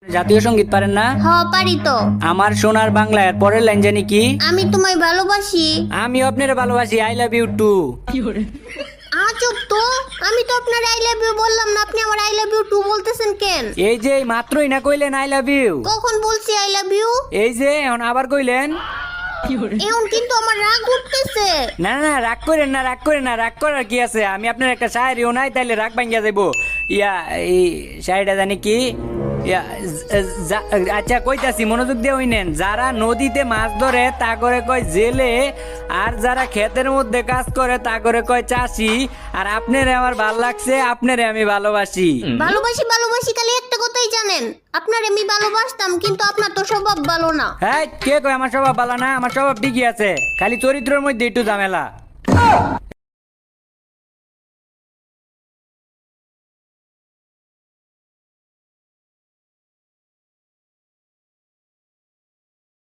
জাতীয় সঙ্গীত পারেন না? হ পারি তো। আমার সোনার বাংলা এর পরের লাইন জানি কি? আমি তোমায় ভালোবাসি। আমি আপনারে ভালোবাসি, আই লাভ ইউ টু। আজব তো, আমি তো আপনার আই লাভ ইউ বললাম না, আপনি আমার আই লাভ ইউ টু বলতেছেন কেন? এই যে মাত্রই না কইলেন আই লাভ ইউ। কখন বলছি আই লাভ ইউ? এই যে এখন আবার কইলেন। এখন কিন্তু আমার রাগ উঠতেছে। না না না, রাগ করেন না, রাগ করেন না, রাগ করার কি আছে? আমি আপনার একটা শায়েরিও নাই, তাইলে রাগ ভাঙ্গিয়া যাইবো। এই শায়েরিটা জানি কি? আচ্ছা কইতাছি, মনোযোগ দিয়ে হইনেন। যারা নদীতে মাছ ধরে তা করে কয় জেলে, আর যারা ক্ষেতের মধ্যে কাজ করে তা করে কয় চাষি। আর আপনারে আমার ভাল লাগছে, আপনারে আমি ভালোবাসি। ভালোবাসি ভালোবাসি খালি একটা কথাই জানেন, আপনার আমি ভালোবাসতাম, কিন্তু আপনার তো স্বভাব ভালো না। হ্যাঁ, কে কয় আমার স্বভাব ভালো না? আমার স্বভাব ঠিকই আছে, খালি চরিত্রের মধ্যে একটু ঝামেলা।